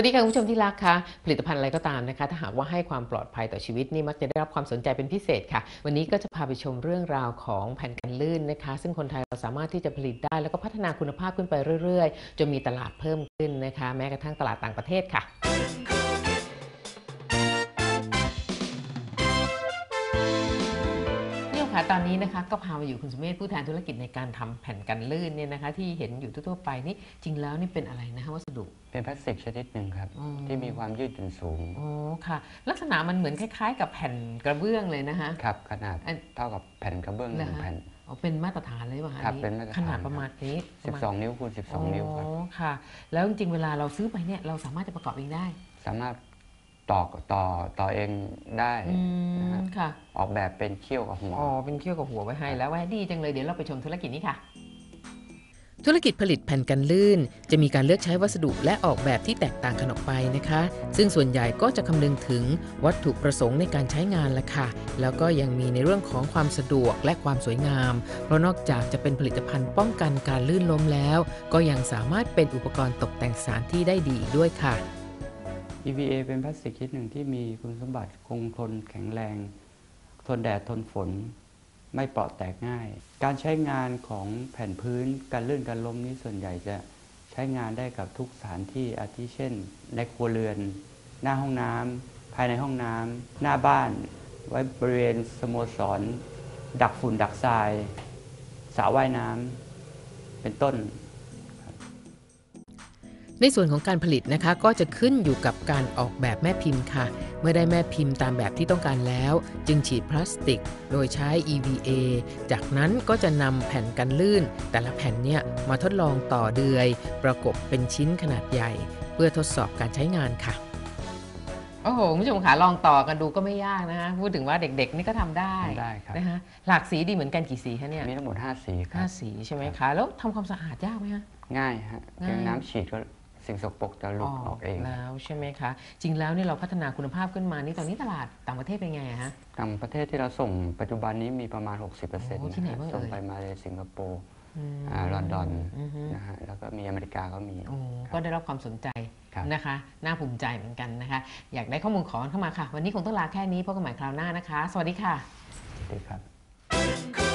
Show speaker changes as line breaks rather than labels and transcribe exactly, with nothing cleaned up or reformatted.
สวัสดีค่ะคุณผู้ชมที่รักคะผลิตภัณฑ์อะไรก็ตามนะคะถ้าหากว่าให้ความปลอดภัยต่อชีวิตนี่มักจะได้รับความสนใจเป็นพิเศษค่ะวันนี้ก็จะพาไปชมเรื่องราวของแผ่นกันลื่นนะคะซึ่งคนไทยเราสามารถที่จะผลิตได้แล้วก็พัฒนาคุณภาพขึ้นไปเรื่อยๆจนมีตลาดเพิ่มขึ้นนะคะแม้กระทั่งตลาดต่างประเทศค่ะค่ะตอนนี้นะคะก็พามาอยู่คุณสุเมธผู้แทนธุรกิจในการทำแผ่นกันลื่นเนี่ยนะคะที่เห็นอยู่ทั่วๆไปนี่จริงแล้วนี่เป็นอะไรนะคะวัสดุ
เป็นพลาสติกชนิดหนึ่งครับที่มีความยืดหยุ่นสูง
อ๋อค่ะลักษณะมันเหมือนคล้ายๆกับแผ่นกระเบื้องเลยนะคะ
ครับขนาดเท่ากับแผ่นกระเบื้องหนึ่งแผ่นอ๋
อเป็นมาตรฐานเลยป่ะคะ
ครับเป็นมาตรฐาน
ขนาดประมาณนี้
สิบสองนิ้วคูณสิบสองนิ้วครับ
อ๋อค่ะแล้วจริงๆเวลาเราซื้อไปเนี่ยเราสามารถจะประกอบเองได้
สามารถต่อต่อต่อเองได้นะฮะ
ค่ะ
ออกแบบเป็นเขี้ยวกับหัว
อ๋อเป็นเขี้ยวกับหัวไว้ให้แล้วว่าดีจังเลยเดี๋ยวเราไปชมธุรกิจนี้ค่ะธุรกิจผลิตแผ่นกันลื่นจะมีการเลือกใช้วัสดุและออกแบบที่แตกต่างกันออกไปนะคะซึ่งส่วนใหญ่ก็จะคำนึงถึงวัตถุประสงค์ในการใช้งานละค่ะแล้วก็ยังมีในเรื่องของความสะดวกและความสวยงามเพราะนอกจากจะเป็นผลิตภัณฑ์ป้องกันการลื่นล้มแล้วก็ยังสามารถเป็นอุปกรณ์ตกแต่งสถานที่ได้ดีอีกด้วยค่ะ
อี วี เอ เป็นพลาสติกชนิดหนึ่งที่มีคุณสมบัติคงทนแข็งแรงทนแดดทนฝนไม่เปราะแตกง่ายการใช้งานของแผ่นพื้นการลื่นการล้มนี้ส่วนใหญ่จะใช้งานได้กับทุกสถานที่อาทิเช่นในครัวเรือนหน้าห้องน้ำภายในห้องน้ำหน้าบ้านไว้บริเวณสโมสรดักฝุ่นดักทรายสระว่ายน้ำเป็นต้น
ในส่วนของการผลิตนะคะก็จะขึ้นอยู่กับการออกแบบแม่พิมพ์ค่ะเมื่อได้แม่พิมพ์ตามแบบที่ต้องการแล้วจึงฉีดพลาสติกโดยใช้ อี วี เอ จากนั้นก็จะนำแผ่นกันลื่นแต่ละแผ่นเนี่ยมาทดลองต่อเดือยประกบเป็นชิ้นขนาดใหญ่เพื่อทดสอบการใช้งานค่ะโอ้โหคุณผู้ชมค่ะลองต่อกันดูก็ไม่ยากนะคะพูดถึงว่าเด็กๆนี่ก็ทำได้นะคะหลากสีดีเหมือนกันกี่สีคะเนี่ย
มีทั้งหมดห้าสีครับ
ห้าสีใช่ไหมคะแล้วทำความสะอาดยากไหมคะ
ง่ายฮะเพียงน้ำฉีดก็สิ่งสกปรกจะหลุดออกเอง
แล้วใช่ไหมคะจริงแล้วนี่เราพัฒนาคุณภาพขึ้นมานี่ตอนนี้ตลาดต่างประเทศเป็นไงฮะ
ต่างประเทศที่เราส่งปัจจุบันนี้มีประมาณ หกสิบเปอร์เซ็นต์
ที่ไหนบ้างเอ่
ส่งไปมาเลสิงคโปร์ลอนดอนนะฮะแล้วก็มีอเมริกาก็มี
ก็ได้รับความสนใจนะคะน่าภูมิใจเหมือนกันนะคะอยากได้ข้อมูลขอเข้ามาค่ะวันนี้คงต้องลาแค่นี้พบกันใหม่คราวหน้านะคะสวัสดีค่ะ
สวัสดีครับ